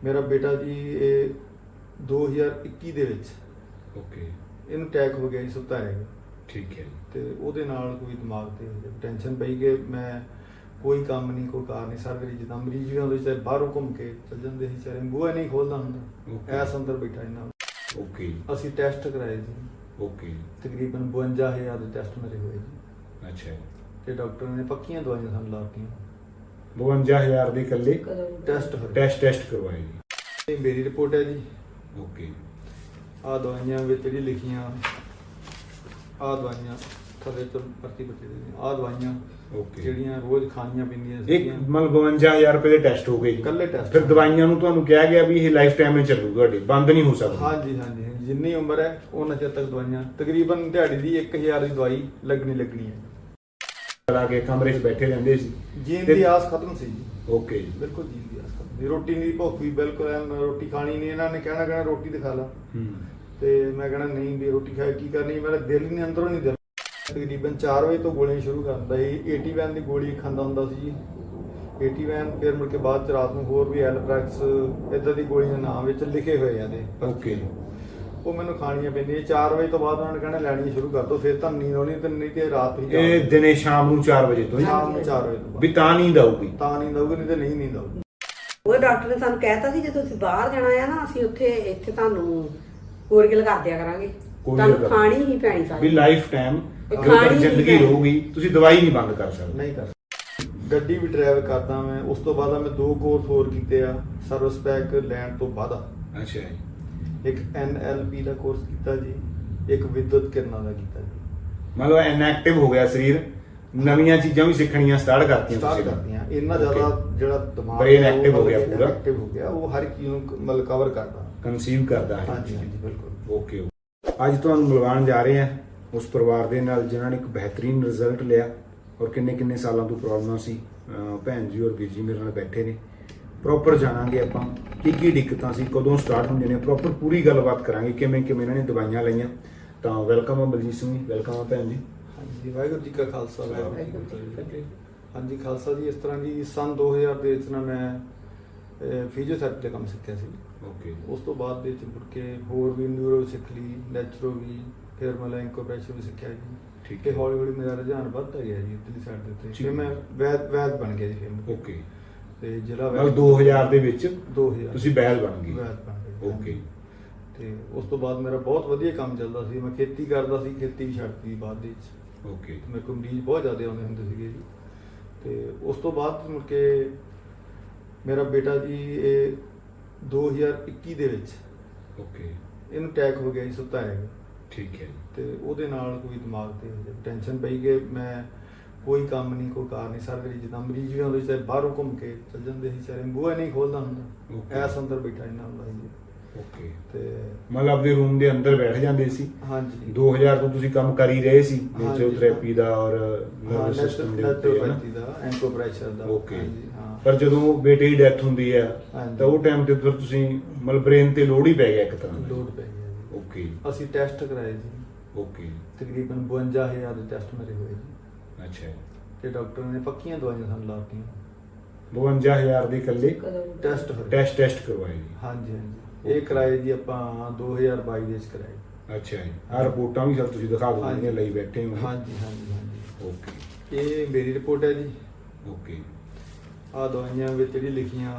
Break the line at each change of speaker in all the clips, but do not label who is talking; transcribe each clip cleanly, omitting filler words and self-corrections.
ਮੇਰਾ ਬੇਟਾ ਜੀ ਇਹ 2021 ਦੇ ਵਿੱਚ
ਓਕੇ
ਇਹਨੂੰ ਅਟੈਕ ਹੋ ਗਿਆ ਜੀ, ਸੁੱਤਾ ਹੈਗਾ
ਠੀਕ ਹੈ
ਤੇ ਉਹਦੇ ਨਾਲ ਕੋਈ ਦਿਮਾਗ ਤੇ ਟੈਨਸ਼ਨ ਪਈ ਕਿ ਮੈਂ ਕੋਈ ਕੰਮ ਨਹੀਂ, ਕੋਈ ਕਾਰ ਨਹੀਂ, ਸਾਰੀ ਜਿੱਦਾਂ ਮਰੀਜ਼ ਵੀ ਆਉਂਦੇ ਚਾਹੇ ਬਾਹਰੋਂ ਘੁੰਮ ਕੇ ਚੱਲ ਜਾਂਦੇ ਸੀ, ਚਾਹੇ ਬੂਹਾ ਨਹੀਂ ਖੋਲਦਾ ਹੁੰਦਾ, ਐਸ ਅੰਦਰ ਬੈਠਾ ਇਹਨਾਂ।
ਓਕੇ
ਅਸੀਂ ਟੈਸਟ ਕਰਾਏ ਜੀ,
ਓਕੇ
ਤਕਰੀਬਨ 52,000 ਦੇ ਟੈਸਟ ਮੇਰੇ ਹੋਏ ਜੀ,
ਅੱਛਾ
ਤੇ ਡਾਕਟਰ ਨੇ ਪੱਕੀਆਂ ਦਵਾਈਆਂ ਸਾਨੂੰ ਲਾਤੀਆਂ।
52,000 ਦੇ ਇਕੱਲੇ
ਟੈਸਟ ਹੋਏ,
ਟੈਸਟ ਕਰਵਾਏ ਜੀ।
ਇਹ ਮੇਰੀ ਰਿਪੋਰਟ ਹੈ ਜੀ।
ਓਕੇ
ਆਹ ਦਵਾਈਆਂ ਵਿੱਚ ਜਿਹੜੀ ਲਿਖੀਆਂ, ਆਹ ਦਵਾਈਆਂ ਥੱਲੇ ਤੋਂ ਪਰਤੀ ਬੱਤੀ ਦੇ, ਆਹ ਦਵਾਈਆਂ
ਓਕੇ
ਜਿਹੜੀਆਂ ਰੋਜ਼ ਖਾਣੀਆਂ ਪੈਂਦੀਆਂ
ਇੱਕ
ਸੀਗੀਆਂ,
ਮਤਲਬ 52,000 ਰੁਪਏ ਦੇ ਟੈਸਟ ਹੋ ਗਏ ਜੀ।
ਇਕੱਲੇ ਟੈਸਟ।
ਫਿਰ ਦਵਾਈਆਂ ਨੂੰ ਤੁਹਾਨੂੰ ਕਿਹਾ ਗਿਆ ਵੀ ਇਹ ਲਾਈਫ ਟਾਈਮ ਵਿੱਚ ਚੱਲੂ, ਤੁਹਾਡੇ ਬੰਦ ਨਹੀਂ ਹੋ ਸਕਦਾ।
ਹਾਂਜੀ ਹਾਂਜੀ ਹਾਂਜੀ, ਜਿੰਨੀ ਉਮਰ ਹੈ ਉਹਨਾਂ ਚਿਰ ਤੱਕ ਦਵਾਈਆਂ, ਤਕਰੀਬਨ ਦਿਹਾੜੀ ਦੀ 1,000 ਦੀ ਦਵਾਈ ਲੱਗਣੀ ਹੈ।
ਲਾ ਕੇ ਕਮਰੇ 'ਚ ਬੈਠੇ ਰਹਿੰਦੇ ਸੀ।
ਜੀਣ
ਤੇ-
ਦੀ ਆਸ ਖਤਮ ਸੀ ਜੀ,
ਓਕੇ ਜੀ
ਬਿਲਕੁਲ ਜੀਣ ਦੀ ਆਸ ਖਤਮ ਸੀ। ਰੋਟੀ ਨਹੀਂ, ਭੁੱਖ ਵੀ ਬਿਲਕੁਲ ਐਨ, ਰੋਟੀ ਖਾਣੀ ਨਹੀਂ, ਇਹਨਾਂ ਨੇ ਕਹਿਣਾ ਰੋਟੀ ਤੇ ਖਾ ਲਾ, ਤੇ ਮੈਂ ਕਹਿਣਾ ਨਹੀਂ ਵੀ ਰੋਟੀ ਖਾ ਕੇ ਕੀ ਕਰਨੀ, ਮੇਰਾ ਦਿਲ ਹੀ ਨਹੀਂ, ਅੰਦਰੋਂ ਨਹੀਂ ਦਿਲ। ਤਕਰੀਬਨ 4 ਵਜੇ ਤੋਂ ਗੋਲੀਆਂ ਸ਼ੁਰੂ ਕਰ ਦਿੰਦਾ ਸੀ। 80 ਦੀ ਗੋਲੀ ਖਾਂਦਾ ਹੁੰਦਾ ਸੀ ਜੀ, 80 ਫਿਰ ਮੁੜ ਕੇ ਬਾਅਦ ਚ ਰਾਤ ਨੂੰ ਹੋਰ ਵੀ ਐਲਪ੍ਰੈਕਸ ਇਦਾਂ ਦੀ ਗੋਲੀਆਂ ਨਾਮ ਵਿੱਚ ਲਿਖੇ ਹੋਏ ਆ ਦੇ।
ਓਕੇ
ਉਹ ਮੈਨੂੰ ਖਾਣੀਆਂ ਪੈਂਦੀਆਂ। 4 ਵਜੇ ਤੋਂ ਬਾਅਦ ਉਹਨਾਂ ਨੇ ਕਹਿਣਾ ਲੈਣੀਆਂ ਸ਼ੁਰੂ ਕਰ ਦੋ, ਫਿਰ ਤਾਂ ਨੀਂਦ ਆਉਣੀ, ਤੇ ਨਹੀਂ ਤੇ ਰਾਤ ਹੀ
ਇਹ ਦਿਨੇ ਸ਼ਾਮ ਨੂੰ 4 ਵਜੇ ਤੋਂ ਹੀ?
ਸ਼ਾਮ ਨੂੰ 4 ਵਜੇ ਤੋਂ
ਵੀ
ਬਾਅਦ
ਤਾਂ ਨੀਂਦ ਆਊਗੀ?
ਤਾਂ ਨੀਂਦ ਆਊਗੀ, ਨਹੀਂ ਤੇ ਨਹੀਂ ਨੀਂਦ ਆਊਗੀ।
ਉਹ ਡਾਕਟਰ ਨੇ ਸਾਨੂੰ ਕਹਿਤਾ ਸੀ ਜੇ ਤੁਸੀਂ ਬਾਹਰ ਜਾਣਾ ਆ ਨਾ, ਅਸੀਂ ਇੱਥੇ ਤੁਹਾਨੂੰ ਕੋਰੀਅਲ ਕਰ ਦਿਆ ਕਰਾਂਗੇ, ਤੁਹਾਨੂੰ ਖਾਣੀ ਹੀ ਪੈਣੀ
ਵੀ
ਸਾਰੀ
ਲਾਈਫ ਟਾਈਮ
ਖਾਣੀ ਹੀ
ਜ਼ਿੰਦਗੀ
ਪੈਣੀ।
ਰਹੂਗੀ, ਤੁਸੀਂ ਦਵਾਈ ਨਹੀਂ ਬੰਦ ਕਰ ਸਕਦੇ।
ਨਹੀਂ ਕਰ ਗੱਡੀ ਵੀ ਡਰਾਈਵ ਕਰਦਾ ਮੈਂ। ਉਸ ਤੋਂ ਬਾਅਦ ਮੈਂ 2 ਕੋਰਸ ਹੋਰ ਕੀਤੇ ਆ ਸਰਵਿਸ ਪੈਕ ਲੈਣ ਤੋਂ ਬਾਅਦ।
ਅੱਛਾ ਜੀ,
ਇੱਕ NLP ਦਾ ਕੋਰਸ ਕੀਤਾ ਜੀ, ਇੱਕ ਵਿਦਿਅਤ ਕਿਰਨਾਂ ਦਾ ਕੀਤਾ ਜੀ।
ਮਤਲਬ ਇਨਐਕਟਿਵ ਹੋ ਗਿਆ ਸਰੀਰ, ਨਵੀਆਂ ਚੀਜ਼ਾਂ ਵੀ ਸਿੱਖਣੀਆਂ ਸਟਾਰਟ ਕਰਤੀਆਂ
ਸਟਾਰਟ
ਤੁਸੀਂ?
ਕਰਦੀਆਂ। ਇੰਨਾ ਜ਼ਿਆਦਾ ਜਿਹੜਾ ਦਿਮਾਗ
Brain
ਹੈ,
active
ਉਹ
ਹੋ ਗਿਆ ਪੂਰਾ।
active ਹੋ ਗਿਆ, ਉਹ ਹਰ ਇੱਕ ਚੀਜ਼ ਨੂੰ ਮਤਲਬ ਕਵਰ ਕਰਦਾ।
ਕਨਸੀਵ ਕਰਦਾ ਹੈ।
ਹਾਂਜੀ ਹਾਂਜੀ ਬਿਲਕੁਲ।
ਓਕੇ ਅੱਜ ਤੁਹਾਨੂੰ ਮਿਲਵਾਉਣ ਜਾ ਰਹੇ ਹਾਂ ਉਸ ਪਰਿਵਾਰ ਦੇ ਨਾਲ ਜਿਨ੍ਹਾਂ ਨੇ ਇੱਕ ਬਿਹਤਰੀਨ ਰਿਜ਼ਲਟ ਲਿਆ, ਔਰ ਕਿੰਨੇ ਸਾਲਾਂ ਤੋਂ ਪ੍ਰੋਬਲਮਾਂ ਸੀ। ਭੈਣ ਜੀ ਔਰ ਵੀਰ ਜੀ ਮੇਰੇ ਨਾਲ ਬੈਠੇ ਨੇ। ਪ੍ਰੋਪਰ ਜਾਣਾਂਗੇ ਆਪਾਂ ਕੀ ਦਿੱਕਤਾਂ ਸੀ, ਕਦੋਂ ਸਟਾਰਟ ਹੁੰਦੀਆਂ ਨੇ, ਪ੍ਰੋਪਰ ਪੂਰੀ ਗੱਲਬਾਤ ਕਰਾਂਗੇ ਕਿਵੇਂ ਇਹਨਾਂ ਨੇ ਦਵਾਈਆਂ ਲਈਆਂ। ਤਾਂ ਵੈਲਕਮ ਆ ਬਲਜੀਤ ਸਿੰਘ ਜੀ, ਵੈਲਕਮ ਆ ਭੈਣ ਜੀ।
ਹਾਂਜੀ, ਵਾਹਿਗੁਰੂ ਜੀ ਕਾ ਖਾਲਸਾ, ਵਾਹਿਗੁਰੂ ਜੀ ਕੀ ਫਤਿਹ। ਹਾਂਜੀ ਖਾਲਸਾ ਜੀ। ਇਸ ਤਰ੍ਹਾਂ ਜੀ ਸਨ 2000 ਦੇ ਵਿੱਚ ਨਾ ਮੈਂ ਫਿਜ਼ੀਓਥੈਰੇਪੀ ਦਾ ਕੰਮ ਸਿੱਖਿਆ ਸੀ।
ਓਕੇ
ਉਸ ਤੋਂ ਬਾਅਦ ਦੇ ਵਿੱਚ ਮੁੜ ਕੇ ਹੋਰ ਵੀ ਨਿਊਰੋ ਸਿੱਖ ਲਈ, ਨੈਚੁਰੋ ਵੀ, ਫਿਰ ਮੈਂ ਇਨਕੋਪ੍ਰੈਸ਼ਨ ਵੀ ਸਿੱਖਿਆ ਜੀ।
ਠੀਕ
ਤੇ
ਹੈ।
ਹੌਲੀ ਹੌਲੀ ਮੇਰਾ ਰੁਝਾਨ ਵੱਧਦਾ ਗਿਆ ਜੀ ਇੱਧਰਲੀ ਸਾਈਡ ਦੇ ਉੱਤੇ।
ਠੀਕ
ਫਿਰ ਮੈਂ ਵੈਦ ਬਣ ਗਿਆ ਜੀ। ਫਿਰ
ਓਕੇ
ਤੇ ਜ਼ਿਲ੍ਹਾ
ਮਤਲਬ 2000 ਦੇ ਵਿੱਚ
2000
ਤੁਸੀਂ ਬੈਲ ਬਣ ਗਏ?
ਵੈਦ ਬਣ ਗਿਆ ਜੀ।
ਓਕੇ
ਤੇ ਉਸ ਤੋਂ ਬਾਅਦ ਮੇਰਾ ਬਹੁਤ ਵਧੀਆ ਕੰਮ ਚੱਲਦਾ ਸੀ। ਮੈਂ ਖੇਤੀ ਕਰਦਾ ਸੀ, ਖੇਤੀ ਵੀ ਛੱਡਤੀ ਬਾਅਦ ਦੇ ਵਿੱਚ।
ਓਕੇ
ਮੇਰੇ ਕੋਲ ਮਰੀਜ਼ ਬਹੁਤ ਜ਼ਿਆਦਾ ਆਉਂਦੇ ਹੁੰਦੇ ਸੀਗੇ ਜੀ। ਤੇ ਉਸ ਤੋਂ ਬਾਅਦ ਮੁੜ ਕੇ ਮੇਰਾ ਬੇਟਾ ਜੀ ਇਹ 2021 ਦੇ ਵਿੱਚ
ਓਕੇ
ਇਹਨੂੰ ਅਟੈਕ ਹੋ ਗਿਆ ਜੀ, ਸੁੱਤਾ ਹੈਗਾ,
ਠੀਕ ਹੈ।
ਤੇ ਉਹਦੇ ਨਾਲ ਕੋਈ ਦਿਮਾਗ ਤੇ ਟੈਨਸ਼ਨ ਪਈ ਕਿ ਮੈਂ ਕੋਈ ਕੰਮ ਨਹੀਂ, ਕੋਈ ਕਾਰ ਨਹੀਂ, ਸਾਰੀ ਜਿੱਦਾਂ ਮਰੀਜ਼ ਵੀ ਆਉਂਦੇ ਚਾਹੇ ਬਾਹਰੋਂ ਘੁੰਮ ਕੇ ਚੱਲ ਜਾਂਦੇ ਸੀ, ਚਾਹੇ ਬੂਹਾ ਨਹੀਂ ਖੋਲਦਾ ਹੁੰਦਾ, ਐਸ ਅੰਦਰ ਬੈਠਾ ਇਹਨਾਂ ਹੁੰਦਾ ਸੀ।
ਓਕੇ
ਤੇ
ਮਤਲਬ ਆਪਣੇ ਰੂਮ ਦੇ ਅੰਦਰ ਬੈਠ ਜਾਂਦੇ ਸੀ?
ਹਾਂਜੀ
2000 ਤੋਂ ਤੁਸੀਂ ਕੰਮ ਕਰ ਹੀ ਰਹੇ ਸੀ
ਹਾਂਜੀ।
ਫਿਜ਼ੀਓਥੈਰੇਪੀ ਦਾ ਔਰ
ਹਾਂ,
ਨਰਵਸ ਸਿਸਟਮ ਦੇ ਉੱਤੇ, ਹੈ ਨਾ?
ਨੈਚੁਰੋਪੈਥੀ ਦਾ, ਐਂਕੋਪ੍ਰੈਸ਼ਰ ਦਾ।
ਓਕੇ
ਹਾਂਜੀ, ਹਾਂ।
ਪਰ ਜਦੋਂ ਬੇਟੇ ਦੀ ਡੈਥ ਹੁੰਦੀ ਹੈ
ਹਾਂਜੀ।
ਤਾਂ ਉਹ ਟਾਈਮ ਤੇ ਫਿਰ ਤੁਸੀਂ ਮਤਲਬ ਬ੍ਰੇਨ ਤੇ ਲੋਡ ਹੀ ਪੈ ਗਿਆ ਇੱਕ ਤਰ੍ਹਾਂ ਦਾ?
ਲੋਡ ਪੈ ਗਿਆ ਜੀ।
ਓਕੇ
ਅਸੀਂ ਟੈਸਟ ਕਰਾਏ ਜੀ,
ਓਕੇ
ਤਕਰੀਬਨ 52,000 ਦੇ ਟੈਸਟ ਮੇਰੇ ਹੋਏ ਜੀ,
ਅੱਛਾ
ਤੇ ਡਾਕਟਰ ਨੇ ਪੱਕੀਆਂ ਦਵਾਈਆਂ ਸਾਨੂੰ ਲਾਤੀਆਂ।
52,000 ਦੇ ਇਕੱਲੇ
ਟੈਸਟ ਹੋਏ।
ਟੈਸਟ ਕਰਵਾਏ ਜੀ?
ਹਾਂਜੀ ਹਾਂਜੀ। ਇਹ ਕਰਾਏ ਜੀ ਆਪਾਂ 2022 ਦੇ ਵਿੱਚ ਕਰਾਏ।
ਅੱਛਾ ਜੀ। ਆਹ ਰਿਪੋਰਟਾਂ ਵੀ ਸਰ ਤੁਸੀਂ ਦਿਖਾ ਦਿਓ ਜਿਹੜੀਆਂ ਲਈ ਬੈਠੇ ਹੋ?
ਹਾਂਜੀ ਹਾਂਜੀ ਹਾਂਜੀ।
ਓਕੇ
ਇਹ ਮੇਰੀ ਰਿਪੋਰਟ ਹੈ ਜੀ।
ਓਕੇ
ਆਹ ਦਵਾਈਆਂ ਵਿੱਚ ਜਿਹੜੀ ਲਿਖੀਆਂ,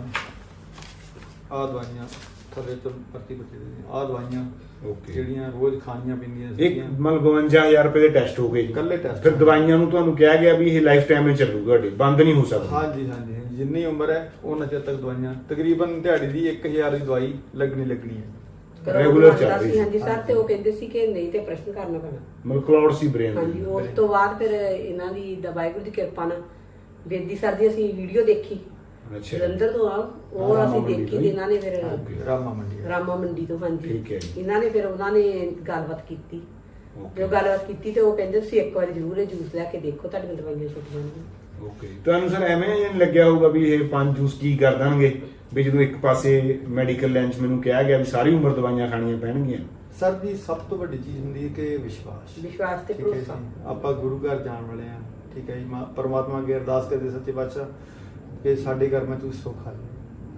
ਆਹ ਦਵਾਈਆਂ ਥੱਲੇ ਤੋਂ ਪਰਤੀ ਬੱਤੀ ਦੇ, ਆਹ ਦਵਾਈਆਂ
ਓਕੇ
ਜਿਹੜੀਆਂ ਰੋਜ਼ ਖਾਣੀਆਂ ਪੈਂਦੀਆਂ
ਇੱਕ
ਸੀਗੀਆਂ,
ਮਤਲਬ 52,000 ਰੁਪਏ ਦੇ ਟੈਸਟ ਹੋ ਗਏ ਜੀ।
ਇਕੱਲੇ ਟੈਸਟ।
ਫਿਰ ਦਵਾਈਆਂ ਨੂੰ ਤੁਹਾਨੂੰ ਕਿਹਾ ਗਿਆ ਵੀ ਇਹ ਲਾਈਫ ਟਾਈਮ ਵਿੱਚ ਚੱਲੂ, ਤੁਹਾਡੇ ਬੰਦ ਨਹੀਂ ਹੋ ਸਕਦਾ?
ਹਾਂਜੀ ਹਾਂਜੀ ਹਾਂਜੀ, ਜਿੰਨੀ ਉਮਰ ਹੈ ਉਹਨਾਂ ਚਿਰ ਤੱਕ ਦਵਾਈਆਂ, ਤਕਰੀਬਨ ਦਿਹਾੜੀ ਦੀ 1,000 ਦੀ ਦਵਾਈ ਲੱਗਣੀ ਹੈ।
ਰੈਗੂਲਰ ਚੱਲ ਰਹੀ ਸੀ?
ਹਾਂਜੀ ਸਰ, ਤੇ ਉਹ ਕਹਿੰਦੇ ਸੀ ਕਿ ਨਹੀਂ ਤੇ ਪ੍ਰਸ਼ਨ ਕਰਨਾ ਪੈਣਾ।
ਮਤਲਬ ਕਲਾਉਡ ਸੀ ਬ੍ਰੇਨ?
ਹਾਂਜੀ, ਉਸ ਤੋਂ ਬਾਅਦ ਫਿਰ ਇਹਨਾਂ ਦੀ ਵਾਹਿਗੁਰੂ ਦੀ ਕਿਰਪਾ ਨਾਲ ਬੇਦੀ ਸਰ ਦੀ ਅਸੀਂ ਵੀਡੀਓ ਦੇਖੀ,
ਅੱਛਾ
ਜਲੰਧਰ ਤੋਂ ਆ, ਉਹ
ਰਾਮਾ
ਅਸੀਂ
ਮੰਡੀ
ਦੇਖੀ
ਤੋਂ
ਤੇ ਇਹਨਾਂ ਨੇ ਫਿਰ
ਰਾਮਾ ਮੰਡੀ।
ਰਾਮਾ ਮੰਡੀ ਤੋਂ। ਹਾਂਜੀ
ਠੀਕ ਹੈ ਜੀ।
ਇਹਨਾਂ ਨੇ ਫਿਰ ਉਹਨਾਂ ਨੇ ਗੱਲਬਾਤ ਕੀਤੀ।
ਓਕੇ
ਜੋ ਗੱਲਬਾਤ ਕੀਤੀ ਤੇ ਉਹ ਕਹਿੰਦੇ ਤੁਸੀਂ ਇੱਕ ਵਾਰ ਜ਼ਰੂਰ ਇਹ ਜੂਸ ਲੈ ਕੇ ਦੇਖੋ, ਤੁਹਾਡੀਆਂ ਦਵਾਈਆਂ ਛੁੱਟ ਜਾਣਗੀਆਂ।
ਓਕੇ ਤੁਹਾਨੂੰ ਸਰ ਐਵੇਂ ਨਹੀਂ ਲੱਗਿਆ ਹੋਊਗਾ ਵੀ ਇਹ 5 ਜੂਸ ਕੀ ਕਰ ਦੇਣਗੇ, ਵੀ ਜਦੋਂ ਇੱਕ ਪਾਸੇ ਮੈਡੀਕਲ ਲਾਈਨ 'ਚ ਮੈਨੂੰ ਕਿਹਾ ਗਿਆ ਵੀ ਸਾਰੀ ਉਮਰ ਦਵਾਈਆਂ ਖਾਣੀਆਂ ਪੈਣਗੀਆਂ?
ਸਰ ਜੀ ਸਭ ਤੋਂ ਵੱਡੀ ਚੀਜ਼ ਹੁੰਦੀ ਹੈ ਕਿ ਵਿਸ਼ਵਾਸ
ਤੇ
ਠੀਕ ਹੈ
ਭਰੋਸਾ।
ਜੀ। ਆਪਾਂ ਗੁਰੂ ਘਰ ਜਾਣ ਵਾਲੇ ਆ, ਠੀਕ ਹੈ ਜੀ। ਪਰਮਾਤਮਾ ਅੱਗੇ ਅਰਦਾਸ ਕਰਦੇ ਸੱਚੇ ਪਾਤਸ਼ਾਹ ਕਿ ਸਾਡੇ ਘਰ ਮੈਂ ਤੂੰ ਸੁੱਖ ਆ ਜਾਏ।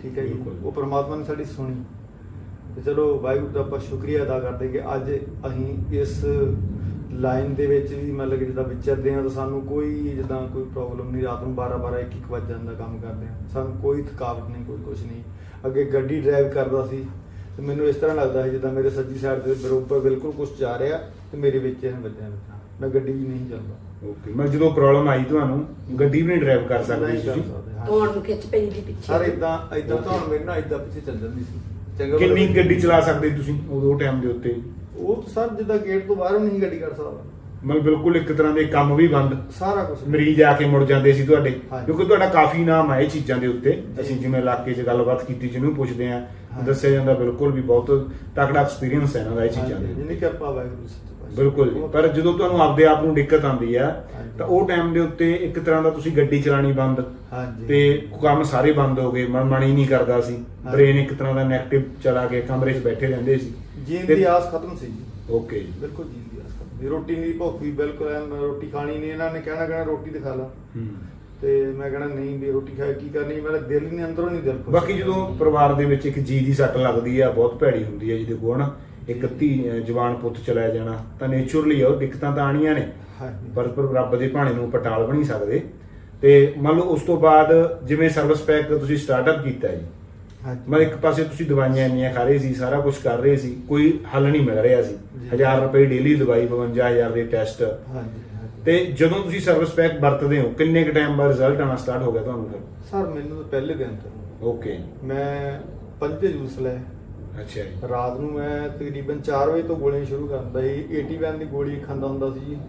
ਠੀਕ ਹੈ ਜੀ।
ਬਿਲਕੁਲ।
ਉਹ ਪ੍ਰਮਾਤਮਾ ਨੇ ਸਾਡੀ ਸੁਣੀ ਤੇ ਚਲੋ ਵਾਹਿਗੁਰੂ ਦਾ ਆਪਾਂ ਸ਼ੁਕਰੀਆ ਅਦਾ ਕਰਦੇ ਕਿ ਅੱਜ ਅਸੀਂ ਇਸ ਲਾਈਨ ਦੇ ਵਿੱਚ ਵੀ ਮਤਲਬ ਕਿ ਜਿੱਦਾਂ ਵਿਚਰਦੇ ਹਾਂ ਤਾਂ ਸਾਨੂੰ ਕੋਈ ਜਿੱਦਾਂ ਕੋਈ ਪ੍ਰੋਬਲਮ ਨਹੀਂ। ਰਾਤ ਨੂੰ 12 1 ਵਜੇ ਜਾਂਦਾ ਕੰਮ ਕਰਦੇ ਹਾਂ, ਸਾਨੂੰ ਕੋਈ ਥਕਾਵਟ ਨਹੀਂ, ਕੋਈ ਕੁਝ ਨਹੀਂ। ਅੱਗੇ ਗੱਡੀ ਡਰਾਈਵ ਕਰਦਾ ਸੀ ਤੇ ਮੈਨੂੰ ਇਸ ਤਰ੍ਹਾਂ ਲੱਗਦਾ ਸੀ ਜਿੱਦਾਂ ਮੇਰੇ ਸੱਜੀ ਸਾਈਡ ਦੇ ਬਰੋਬਰ ਬਿਲਕੁਲ ਕੁਝ ਜਾ ਰਿਹਾ ਤੇ ਮੇਰੇ ਵਿੱਚ ਇਹਨੇ ਵੱਜਿਆ ਲੱਗਦਾ। ਮੈਂ ਗੱਡੀ ਵੀ ਨਹੀਂ ਚੱਲਦਾ।
ਓਕੇ, ਮੈਂ ਜਦੋਂ ਪ੍ਰੋਬਲਮ ਆਈ ਤੁਹਾਨੂੰ ਗੱਡੀ ਵੀ ਨਹੀਂ ਡਰਾਈਵ ਕਰ ਸਕਦੇ
ਨਹੀਂ ਕਰ
ਤੁਸੀਂ?
ਸਕਦੇ, ਹਾਂ।
ਧੌਣ ਨੂੰ ਖਿੱਚ ਪੈਂਦੀ ਪਿੱਛੇ।
ਸਰ ਇਦਾਂ ਤਾਂ ਮੇਰੇ ਨਾਲ ਇਦਾਂ ਪਿੱਛੇ ਚੱਲ ਜਾਂਦੀ ਸੀ। ਚੰਗਾ
ਕਿੰਨੀ
ਭਲਾ-
ਗੱਡੀ ਚਲਾ ਸਕਦੇ ਤੁਸੀਂ ਉਦੋਂ ਟਾਈਮ ਦੇ ਉੱਤੇ?
ਉਹ ਤਾਂ ਸਰ ਜਿੱਦਾਂ ਗੇਟ ਤੋਂ ਬਾਹਰ ਨਹੀਂ ਗੱਡੀ ਕਰ ਸਕਦਾ,
ਮਤਲਬ ਬਿਲਕੁਲ ਇੱਕ ਤਰ੍ਹਾਂ ਦੇ ਕੰਮ ਵੀ ਬੰਦ,
ਸਾਰਾ ਕੁਝ।
ਮਰੀਜ਼ ਆ ਕੇ ਮੁੜ ਜਾਂਦੇ ਸੀ ਤੁਹਾਡੇ,
ਹਾਂਜੀ।
ਕਿਉਂਕਿ ਤੁਹਾਡਾ ਕਾਫੀ ਨਾਮ ਹੈ ਇਹ ਚੀਜ਼ਾਂ ਦੇ ਉੱਤੇ।
ਜੀ।
ਅਸੀਂ ਜਿਵੇਂ ਇਲਾਕੇ 'ਚ ਗੱਲਬਾਤ ਕੀਤੀ, ਜਿਹਨੂੰ ਪੁੱਛਦੇ ਆ
ਹਾਂਜੀ। ਦੱਸਿਆ
ਦੱਸਿਆ ਜਾਂਦਾ ਬਿਲਕੁਲ ਵੀ ਬਹੁਤ ਤਕੜਾ ਐਕਸਪੀਰੀਅੰਸ ਹੈ ਇਹਨਾਂ ਦਾ ਇਹ ਚੀਜ਼ਾਂ ਦੇ।
ਜਿੰਨੀ ਕਿਰਪਾ ਵਾਹਿਗੁਰੂ ਦੀ ਸੱਚੇ ਪਾਤਸ਼ਾਹ।
ਬਿਲਕੁਲ ਜੀ। ਪਰ ਜਦੋਂ ਤੁਹਾਨੂੰ ਆਪਦੇ ਆਪ ਨੂੰ ਦਿੱਕਤ ਆਉਂਦੀ ਆ
ਹਾਂਜੀ।
ਤਾਂ ਉਹ ਟਾਈਮ ਦੇ ਉੱਤੇ ਇੱਕ ਤਰ੍ਹਾਂ ਦਾ ਤੁਸੀਂ ਗੱਡੀ ਚਲਾਣੀ ਬੰਦ
ਹਾਂਜੀ
ਤੇ ਕੰਮ ਸਾਰੇ ਬੰਦ ਹੋ ਗਏ, ਮਨ ਹੀ ਨਹੀਂ ਕਰਦਾ ਸੀ,
ਹਾਂਜੀ।
ਬ੍ਰੇਨ ਇੱਕ ਤਰ੍ਹਾਂ ਦਾ ਨੈਗੇਟਿਵ ਚਲਾ ਕੇ ਕਮਰੇ 'ਚ ਬੈਠੇ ਰਹਿੰਦੇ ਸੀ।
ਜੀਣ
ਤੇ-
ਦੀ ਆਸ ਖਤਮ ਸੀ ਜੀ।
ਓਕੇ ਜੀ।
ਬਿਲਕੁਲ ਜੀਣ ਦੀ ਆਸ ਖਤਮ ਸੀ। ਰੋਟੀ ਦੀ ਭੁੱਖ ਵੀ ਬਿਲਕੁਲ ਐਨ, ਰੋਟੀ ਖਾਣੀ ਨਹੀਂ। ਇਹਨਾਂ ਨੇ ਕਹਿਣਾ ਰੋਟੀ ਤੇ ਖਾ ਲਾ
ਹੂੰ।
ਤੇ ਮੈਂ ਕਹਿਣਾ ਨਹੀਂ ਵੀ ਰੋਟੀ ਖਾਏ ਕੀ ਕਰਨੀ, ਮੇਰਾ ਦਿਲ ਹੀ ਨਹੀਂ, ਅੰਦਰੋਂ ਨਹੀਂ ਦਿਲ ਖੁਸ਼।
ਬਾਕੀ ਜਦੋਂ ਪਰਿਵਾਰ ਦੇ ਵਿੱਚ ਇੱਕ ਜੀ ਦੀ ਸੱਟ ਲੱਗਦੀ ਆ ਬਹੁਤ ਭੈੜੀ ਹੁੰਦੀ ਹੈ, ਜਿਹਦੇ ਕੋਲ ਨਾ ਇੱਕ ਜਵਾਨ ਪੁੱਤ ਚਲਾ ਜਾਣਾ ਤਾਂ ਨੇਚਰਲੀ ਉਹ ਦਿੱਕਤਾਂ ਤਾਂ ਆਣੀਆਂ ਨੇ,
ਹਾਂਜੀ।
ਪਰ ਰੱਬ ਦੇ ਭਾਣੇ ਨੂੰ ਪਟਾਲ ਬਣੀ ਸਕਦੇ। ਤੇ ਮੰਨ ਲਓ ਉਸ ਤੋਂ ਬਾਅਦ ਜਿਵੇਂ ਸਰਵਿਸ ਪੈਕ ਤੁਸੀਂ ਸਟਾਰਟਅਪ ਕੀਤਾ ਜੀ,
ਹਾਂਜੀ।
ਮੈਂ ਇੱਕ ਪਾਸੇ ਤੁਸੀਂ ਦਵਾਈਆਂ ਇੰਨੀਆਂ ਖਾ ਰਹੇ ਸੀ, ਸਾਰਾ ਕੁਝ ਕਰ ਰਹੇ ਸੀ, ਕੋਈ ਹੱਲ ਨਹੀਂ ਮਿਲ ਰਿਹਾ ਸੀ।
ਜੀ।
1000 ਰੁਪਏ ਡੇਲੀ ਦਵਾਈ, 52000 ਦੇ ਟੈਸਟ।
ਹਾਂਜੀ ਹਾਂਜੀ।
ਤੇ ਜਦੋਂ ਤੁਸੀਂ ਸਰਵਿਸ ਪੈਕ ਵਰਤਦੇ ਹੋ ਕਿੰਨੇ ਕੁ ਟਾਈਮ ਬਾਅਦ ਰਿਜ਼ਲਟ ਆਉਣਾ ਸਟਾਰਟ ਹੋ ਗਿਆ ਤੁਹਾਨੂੰ ਫਿਰ?
ਸਰ ਮੈਨੂੰ ਤਾਂ ਪਹਿਲੇ ਦਿਨ ਤੋਂ
ਓਕੇ।
ਮੈਂ 5 ਜੂਸ ਲੈ
ਅੱਛਾ ਜੀ।
ਰਾਤ ਨੂੰ ਮੈਂ ਤਕਰੀਬਨ 4 ਵਜੇ ਤੋਂ ਗੋਲੀਆਂ ਸ਼ੁਰੂ ਕਰ ਦਿੰਦਾ ਸੀ। 80 ਦੀ ਗੋਲੀ ਖਾਂਦਾ ਹੁੰਦਾ ਸੀ ਜੀ।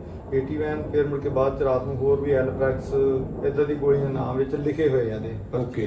80 ਫਿਰ ਮੁੜ ਕੇ ਬਾਅਦ ਚ ਰਾਤ ਨੂੰ ਹੋਰ ਵੀ ਐਲਪ੍ਰੈਕਸ ਇਦਾਂ ਦੀ ਗੋਲੀਆਂ ਨਾਮ ਵਿੱਚ ਲਿਖੇ ਹੋਏ ਆ ਦੇ।
ਓਕੇ।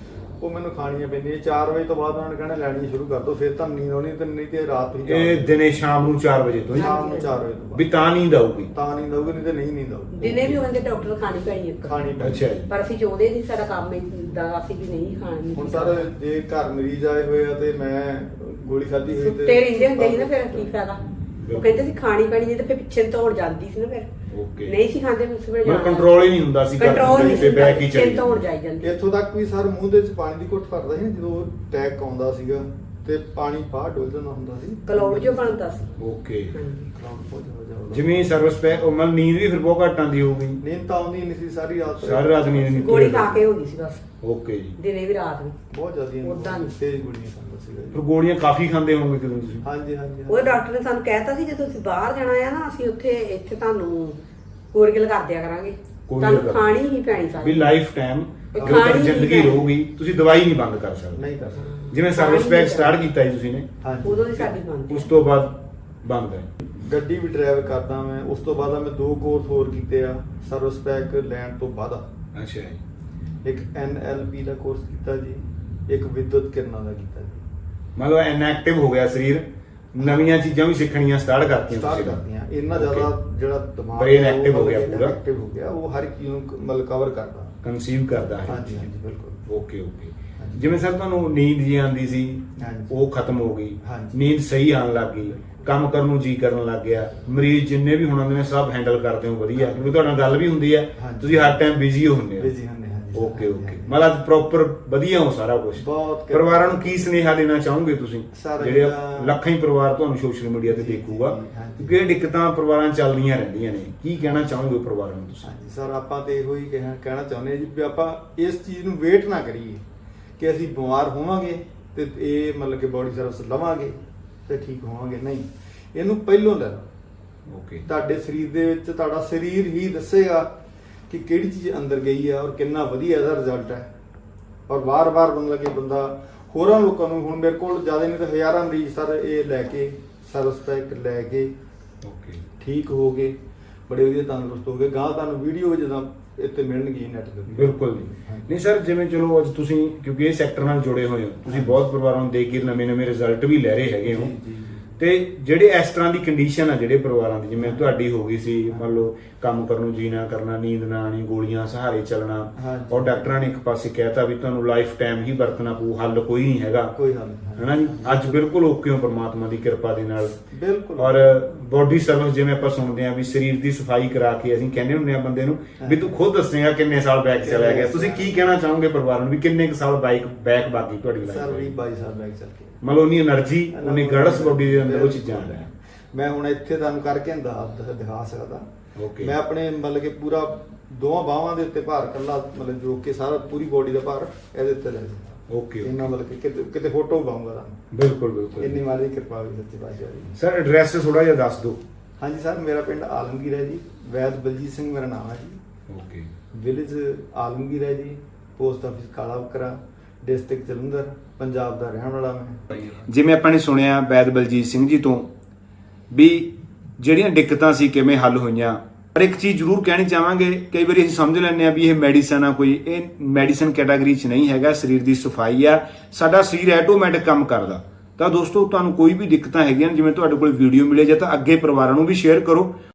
ਉਹ ਮੈਨੂੰ ਖਾਣੀਆਂ ਪੈਂਦੀਆਂ। 4 ਵਜੇ ਤੋਂ ਬਾਅਦ ਉਹਨਾਂ ਨੇ ਕਹਿਣਾ ਲੈਣੀਆਂ ਸ਼ੁਰੂ ਕਰ ਦੋ, ਫਿਰ ਤਾਂ ਨੀਂਦ ਆਉਣੀ ਤੇ ਨਹੀਂ ਤੇ ਰਾਤ ਹੀ
ਇਹ ਦਿਨੇ ਸ਼ਾਮ ਨੂੰ 4 ਵਜੇ ਤੋਂ ਹੀ?
ਸ਼ਾਮ ਨੂੰ 4 ਵਜੇ ਤੋਂ
ਵੀ
ਬਾਅਦ
ਤਾਂ ਨੀਂਦ ਆਊਗੀ?
ਤਾਂ ਨੀਂਦ ਆਊਗੀ, ਨਹੀਂ ਤੇ ਨਹੀਂ ਨੀਂਦ ਆਊਗੀ।
ਦਿਨੇ ਵੀ ਉਹਨਾਂ ਦੇ ਡਾਕਟਰ ਖਾਣੀ ਪੈਣੀ ਇੱਕ।
ਖਾਣੀ ਪੈਂਦੀ।
ਅੱਛਾ ਜੀ।
ਪਰ ਅਸੀਂ ਚਾਹੁੰਦੇ ਨਹੀਂ, ਸਾਡਾ ਕੰਮ ਇਦਾਂ ਅਸੀਂ ਵੀ ਨਹੀਂ ਖਾਣੀ।
ਹੁਣ ਸਰ ਜੇ ਘਰ ਮਰੀਜ਼ ਆਏ ਹੋਏ ਆ ਤੇ ਮੈਂ ਗੋਲੀ ਖਾਧੀ ਹੋਈ
ਸੁੱਤੇ ਰਹਿੰਦੇ ਹੁੰਦੇ ਸੀ ਨਾ, ਫਿਰ ਕੀ ਫਾਇਦਾ। ਉਹ ਕਹਿੰਦੇ ਸੀ ਖਾਣੀ ਪੈਣੀ ਨਹੀਂ ਤੇ ਫਿਰ ਪਿੱਛੇ ਨੂੰ ਦੌੜ ਜਾਂਦੀ ਸੀ ਨਾ। ਫਿਰ
ਓਕੇ।
ਨਹੀਂ ਸੀ ਖਾਂਦੇ, ਉਸ ਵੇਲੇ
ਮਤਲਬ ਕੰਟਰੋਲ ਹੀ ਨਹੀਂ ਹੁੰਦਾ ਸੀ,
ਕੰਟਰੋਲ ਨਹੀਂ ਸੀ,
ਬੈਕ ਹੀ
ਪਿੱਛੇ
ਚਲੀ
ਨੂੰ ਦੌੜ ਜਾਈ ਜਾਂਦੀ।
ਇੱਥੋਂ ਤੱਕ ਵੀ ਸਰ ਮੂੰਹ ਦੇ ਵਿੱਚ ਪਾਣੀ ਦੀ ਘੁੱਟ ਫੜਦਾ ਸੀ ਨਾ, ਜਦੋਂ ਅਟੈਕ ਆਉਂਦਾ ਸੀਗਾ ਤੇ ਪਾਣੀ ਬਾਹਰ ਡੁੱਲ ਜਾਂਦਾ ਹੁੰਦਾ ਸੀ।
ਕਲੌੜ ਜੋ ਬਣਦਾ ਸੀ।
ਓਕੇ।
ਹਾਂਜੀ।
ਕਲੌੜ ਬਹੁਤ ਜ਼ਿਆਦਾ ਹੁੰਦਾ।
ਜਿਵੇਂ ਸਰਵਿਸ ਪੈਕ ਉਹ ਮਤਲਬ ਨੀਂਦ ਵੀ ਫਿਰ ਬਹੁਤ ਘੱਟ ਆਉਂਦੀ ਹੋਊਗੀ?
ਨੀਂਦ ਤਾਂ ਆਉਂਦੀ ਨਹੀਂ ਸੀ ਸਾਰੀ ਰਾਤ।
ਸਾਰੀ ਰਾਤ ਨੀਂਦ ਨਹੀਂ?
ਗੋਲੀ ਖਾ ਕੇ ਹੋ ਗਈ ਸੀ ਬਸ,
ਓਕੇ ਜੀ।
ਦਿਨੇ ਵੀ ਰਾਤ ਵੀ।
ਬਹੁਤ ਜ਼ਿਆਦਾ
ਉੱਦਾਂ ਨਹੀਂ।
ਤੇਜ਼ ਗੋਲੀਆਂ ਖਾਂਦਾ ਸੀਗਾ
ਫਿਰ
ਜੀ।
ਗੋਲੀਆਂ ਕਾਫੀ ਖਾਂਦੇ ਹੋਵੋਗੇ ਕਿਦੋਂ ਤੁਸੀਂ?
ਹਾਂਜੀ ਹਾਂਜੀ
ਉਹ ਡਾਕਟਰ ਨੇ ਸਾਨੂੰ ਕਹਿਤਾ ਸੀ ਜਦੋਂ ਤੁਸੀਂ ਬਾਹਰ ਜਾਣਾ ਆ ਨਾ, ਅਸੀਂ ਇੱਥੇ ਤੁਹਾਨੂੰ ਕੋਰਗਲ ਕਰ ਦਿਆ ਕਰਾਂਗੇ, ਤੁਹਾਨੂੰ
ਕਰ-
ਖਾਣੀ ਹੀ ਪੈਣੀ
ਵੀ
ਸਾਰੀ।
ਲਾਈਫ ਟਾਈਮ
ਇਹ
ਜਦੋਂ ਤੱਕ
ਖਾਣੀ
ਜ਼ਿੰਦਗੀ
ਨਹੀਂ
ਰਹੂਗੀ ਤੁਸੀਂ ਦਵਾਈ ਨਹੀਂ ਬੰਦ ਕਰ ਸਕਦੇ।
ਨਹੀਂ ਕਰ ਸਕਦਾ।
ਜਿਵੇਂ ਸਰਵਿਸ ਪੈਕ ਸਟਾਰਟ ਕੀਤਾ ਜੀ ਤੁਸੀਂ ਨੇ,
ਹਾਂਜੀ।
ਉਦੋਂ ਦੀ ਸਾਡੀ ਬੰਦ।
ਉਸ ਤੋਂ ਬਾਅਦ ਬੰਦ ਹੈ?
ਗੱਡੀ ਵੀ ਡਰਾਈਵ ਕਰਦਾ ਮੈਂ। ਉਸ ਤੋਂ ਬਾਅਦ ਮੈਂ 2 ਕੋਰਸ ਹੋਰ ਕੀਤੇ ਆ ਸਰਵਿਸ ਪੈਕ ਲੈਣ ਤੋਂ ਬਾਅਦ।
ਅੱਛਾ ਜੀ।
ਇੱਕ NLP ਦਾ ਕੋਰਸ ਕੀਤਾ ਜੀ, ਇੱਕ ਵਿਦਿਅਤ ਕਿਰਨਾਂ ਦਾ ਕੀਤਾ ਜੀ।
ਮਤਲਬ ਇਨਐਕਟਿਵ ਹੋ ਗਿਆ ਸਰੀਰ, ਨਵੀਆਂ ਚੀਜ਼ਾਂ ਵੀ ਸਿੱਖਣੀਆਂ ਸਟਾਰਟ ਕਰਤੀਆਂ
ਸਟਾਰਟ
ਤੁਸੀਂ?
ਕਰਦੀਆਂ। ਇੰਨਾ
Okay.
ਜ਼ਿਆਦਾ ਜਿਹੜਾ ਦਿਮਾਗ
Brain
ਹੈ ਉਹ
active ਹੋ ਗਿਆ
ਮਤਲਬ
ਪੂਰਾ।
active ਹੋ ਗਿਆ। ਉਹ ਹਰ ਇੱਕ ਚੀਜ਼ ਨੂੰ ਮਤਲਬ ਕਵਰ ਕਰਦਾ।
ਕਨਸੀਵ ਕਰਦਾ ਹੈ?
ਹਾਂਜੀ ਹਾਂਜੀ ਬਿਲਕੁਲ।
Okay okay.
ਹਾਂਜੀ।
ਜਿਵੇਂ ਸਰ ਤੁਹਾਨੂੰ ਨੀਂਦ ਜੀ ਆਉਂਦੀ ਸੀ,
ਹਾਂਜੀ।
ਉਹ ਖਤਮ ਹੋ ਗਈ,
ਹਾਂਜੀ।
ਨੀਂਦ ਸਹੀ ਆਉਣ ਲੱਗ ਗਈ, ਕੰਮ ਕਰਨ ਨੂੰ ਜੀ ਕਰਨ ਲੱਗ ਗਿਆ, ਮਰੀਜ਼ ਜਿੰਨੇ ਵੀ ਹੁਣ ਆਉਂਦੇ ਨੇ ਸਭ ਹੈਂਡਲ ਕਰਦੇ ਹੋ ਵਧੀਆ,
ਹਾਂਜੀ।
ਕਿਉਂਕਿ ਤੁਹਾਡੇ ਨਾਲ ਗੱਲ ਵੀ ਹੁੰਦੀ ਹੈ,
ਹਾਂਜੀ।
ਤੁਸੀਂ ਹਰ ਟਾਈਮ ਬਿਜ਼ੀ ਹੁੰਦੇ ਹੋ?
ਬਿਜ਼ੀ ਹੁੰਦੇ ਹਾਂ ਜੀ।
Okay okay.
ਹਾਂਜੀ।
ਮਤਲਬ ਪ੍ਰੋਪਰ ਵਧੀਆ ਹੋ ਸਾਰਾ ਕੁਝ?
ਬਹੁਤ ਕਿਰਪਾ।
ਪਰਿਵਾਰਾਂ ਨੂੰ ਕੀ ਸੁਨੇਹਾ ਦੇਣਾ ਚਾਹੋਗੇ ਤੁਸੀਂ,
ਸਾਰਾ
ਜਿਹੜੇ
ਜਿਹੜਾ-
ਲੱਖਾਂ ਹੀ ਪਰਿਵਾਰ ਤੁਹਾਨੂੰ ਸੋਸ਼ਲ ਮੀਡੀਆ ਤੇ
ਜੀ,
ਦੇਖੂਗਾ,
ਜੀ, ਹਾਂਜੀ।
ਕਿਉਂਕਿ ਇਹ ਦਿੱਕਤਾਂ ਪਰਿਵਾਰਾਂ 'ਚ ਚੱਲਦੀਆਂ ਰਹਿੰਦੀਆਂ ਨੇ, ਕੀ ਕਹਿਣਾ ਚਾਹੋਗੇ ਪਰਿਵਾਰਾਂ ਨੂੰ ਤੁਸੀਂ?
ਹਾਂਜੀ ਸਰ, ਆਪਾਂ ਤੇ ਇਹੋ ਹੀ ਕਹਿਣਾ ਚਾਹੁੰਦੇ ਹਾਂ ਜੀ ਵੀ ਆਪਾਂ ਇਸ ਚੀਜ਼ ਨੂੰ ਵੇਟ ਨਾ ਕਰੀਏ ਕਿ ਅਸੀਂ ਬਿਮਾਰ ਹੋਵਾਂਗੇ ਤੇ ਇਹ ਮਤਲਬ ਕਿ ਬੋਡੀ ਸਰਵਿਸ ਲਵਾਂਗੇ ਤੇ ਠੀਕ ਹੋਵਾਂਗੇ। ਨਹੀਂ, ਇਹਨੂੰ ਪਹਿਲੋਂ ਲੈ ਲਓ।
ਓਕੇ।
ਤੁਹਾਡੇ ਸਰੀਰ ਦੇ ਵਿੱਚ ਤੁਹਾਡਾ ਸਰੀਰ ਹੀ ਦੱਸੇਗਾ ਕਿ ਕਿਹੜੀ ਚੀਜ਼ ਅੰਦਰ ਗਈ ਹੈ ਔਰ ਕਿੰਨਾ ਵਧੀਆ ਇਹਦਾ ਰਿਜ਼ਲਟ ਹੈ। ਔਰ ਵਾਰ-ਵਾਰ ਮਤਲਬ ਕਿ ਬੰਦਾ ਹੋਰਾਂ ਲੋਕਾਂ ਨੂੰ, ਹੁਣ ਮੇਰੇ ਕੋਲ ਜ਼ਿਆਦਾ ਨਹੀਂ ਤਾਂ ਹਜ਼ਾਰਾਂ ਮਰੀਜ਼ ਸਰ ਇਹ ਲੈ ਕੇ ਸਰਵਿਸ ਪੈਕ ਲੈ ਕੇ
ਓਕੇ।
ਠੀਕ ਹੋ ਗਏ, ਬੜੇ ਵਧੀਆ ਤੰਦਰੁਸਤ ਹੋ ਗਏ। ਗਾਂ ਤੁਹਾਨੂੰ ਵੀਡੀਓ ਜਦੋਂ ਇੱਥੇ ਮਿਲਣਗੀ ਨੈਟ ਤੇ।
ਬਿਲਕੁਲ ਜੀ। ਨਹੀਂ ਸਰ, ਜਿਵੇਂ ਚਲੋ ਅੱਜ ਤੁਸੀਂ ਕਿਉਂਕਿ ਇਹ ਸੈਕਟਰ ਨਾਲ ਜੁੜੇ ਹੋਏ ਹੋ, ਤੁਸੀਂ ਬਹੁਤ ਪਰਿਵਾਰਾਂ ਨੂੰ ਦੇਖ ਕੇ ਨਵੇਂ-ਨਵੇਂ ਰਿਜ਼ਲਟ ਵੀ ਲੈ ਰਹੇ ਹੈਗੇ ਹੋ,
ਜੀ, ਜੀ, ਜੀ।
ਤੇ ਜਿਹੜੇ ਇਸ ਤਰ੍ਹਾਂ ਦੀ ਕੰਡੀਸ਼ਨ ਆ ਜਿਹੜੇ ਪਰਿਵਾਰਾਂ ਦੀ, ਜਿਵੇਂ ਤੁਹਾਡੀ ਹੋ ਗਈ ਸੀ, ਮੰਨ ਲਓ ਕੰਮ ਕਰਨ ਨੂੰ ਜੀ ਨਾ ਕਰਨਾ, ਨੀਂਦ ਨਾ ਆਣੀ, ਗੋਲੀਆਂ ਸਹਾਰੇ ਚੱਲਣਾ,
ਹਾਂਜੀ।
ਔਰ ਡਾਕਟਰਾਂ ਨੇ ਇੱਕ ਪਾਸੇ ਕਹਿਤਾ ਵੀ ਤੁਹਾਨੂੰ ਲਾਈਫ ਟਾਈਮ ਹੀ ਵਰਤਣਾ ਪਊ, ਹੱਲ ਕੋਈ ਨਹੀਂ ਹੈਗਾ,
ਕੋਈ ਹੱਲ ਨਹੀਂ
ਹੈਨਾ ਜੀ। ਅੱਜ ਬਿਲਕੁਲ ਓਕੇ ਹੋ ਪਰਮਾਤਮਾ ਦੀ ਕਿਰਪਾ ਦੇ ਨਾਲ।
ਬਿਲਕੁਲ।
ਔਰ ਬੋਡੀ ਸਰਵਿਸ ਜਿਵੇਂ ਆਪਾਂ ਸੁਣਦੇ ਆ ਵੀ ਸਰੀਰ ਦੀ ਸਫਾਈ ਕਰਾ ਕੇ ਅਸੀਂ ਕਹਿੰਦੇ ਹੁੰਦੇ ਆ ਬੰਦੇ ਨੂੰ ਵੀ ਤੂੰ ਖੁਦ ਦੱਸੇਗਾ ਕਿੰਨੇ ਸਾਲ ਬੈਕ ਚਲਾ ਗਿਆ। ਤੁਸੀਂ ਕੀ ਕਹਿਣਾ ਚਾਹੋਗੇ ਪਰਿਵਾਰ ਨੂੰ ਵੀ ਕਿੰਨੇ ਕੁ ਸਾਲ ਬੈਕ ਬਾਕੀ ਤੁਹਾਡੀ
ਸਰ
ਲਾਈਫ?
22 ਸਾਲ ਬੈਕ ਚੱਲ ਕੇ
ਮਤਲਬ ਉਨੀ એનર્ਜੀ, ਉਨੀ ਗੜਸ ਬੋਡੀ ਦੇ ਅੰਦਰ ਉਹ ਚੀਜ਼ਾਂ ਆ ਰਹੀਆਂ।
ਮੈਂ ਹੁਣ ਇੱਥੇ ਤੁਹਾਨੂੰ ਕਰਕੇ ਦਿਖਾ ਸਕਦਾ।
ਓਕੇ।
ਮੈਂ ਆਪਣੇ ਮਤਲਬ ਕਿ ਪੂਰਾ ਦੋਵਾਂ ਬਾਹਾਂ ਦੇ ਉੱਤੇ ਭਾਰ ਕੱਲਾ ਮਤਲਬ ਜੋ ਕਿ ਸਾਰਾ ਪੂਰੀ ਬੋਡੀ ਦਾ ਭਾਰ ਇਹਦੇ ਉੱਤੇ ਲੈ ਜਾਂਦਾ।
ਓਕੇ।
ਇੰਨਾ ਮਤਲਬ ਕਿ ਕਿਤੇ ਫੋਟੋ ਪਾਉਂਗਾ ਤੁਹਾਨੂੰ।
ਬਿਲਕੁਲ ਬਿਲਕੁਲ।
ਇੰਨੀ ਮਾਲੀ ਕਿਰਪਾ ਹੋਈ ਸੱਚੀ ਪਾਤਸ਼ਾਹ ਦੀ।
ਸਰ ਐਡਰੈਸ ਥੋੜਾ ਜਿਹਾ ਦੱਸ ਦਿਓ।
ਹਾਂਜੀ ਸਰ, ਮੇਰਾ ਪਿੰਡ ਆਲਮਗੀਰ ਹੈ ਜੀ। ਵੈਦ ਬਲਜੀਤ ਸਿੰਘ ਮੇਰਾ ਨਾਮ ਹੈ ਜੀ।
ਓਕੇ।
ਵਿਲੇਜ ਆਲਮਗੀਰ ਹੈ ਜੀ। ਪੋਸਟ ਆਫਿਸ ਕਾਲਾ ਬੱਕਰਾ, ਡਿਸਟ੍ਰਿਕਟ ਜਲੰਧਰ, ਪੰਜਾਬ ਦਾ ਰਹਿਣ ਵਾਲਾ ਮੈਂ।
ਜਿਵੇਂ ਆਪਾਂ ਨੇ ਸੁਣਿਆ ਵੈਦ ਬਲਜੀਤ ਸਿੰਘ ਜੀ ਤੋਂ ਵੀ ਜਿਹੜੀਆਂ ਦਿੱਕਤਾਂ ਸੀ ਕਿਵੇਂ ਹੱਲ ਹੋਈਆਂ, ਪਰ ਇੱਕ ਚੀਜ਼ ਜ਼ਰੂਰ ਕਹਿਣੀ ਚਾਹਾਂਗੇ, ਕਈ ਵਾਰੀ ਅਸੀਂ ਸਮਝ ਲੈਂਦੇ ਆ ਵੀ ਇਹ ਮੈਡੀਸਨ ਆ, ਕੋਈ ਇਹ ਮੈਡੀਸਨ ਕੈਟਾਗਰੀ 'ਚ ਨਹੀਂ ਹੈਗਾ। ਸਰੀਰ ਦੀ ਸਫਾਈ ਆ, ਸਾਡਾ ਸਰੀਰ ਆਟੋਮੈਟਿਕ ਕੰਮ ਕਰਦਾ। ਤਾਂ ਦੋਸਤੋ ਤੁਹਾਨੂੰ ਕੋਈ ਵੀ ਦਿੱਕਤਾਂ ਹੈਗੀਆਂ, ਜਿਵੇਂ ਤੁਹਾਡੇ ਕੋਲ ਵੀਡੀਓ ਮਿਲੇ ਜਾਂ ਤਾਂ ਅੱਗੇ ਪਰਿਵਾਰਾਂ ਨੂੰ ਵੀ ਸ਼ੇਅਰ ਕਰੋ।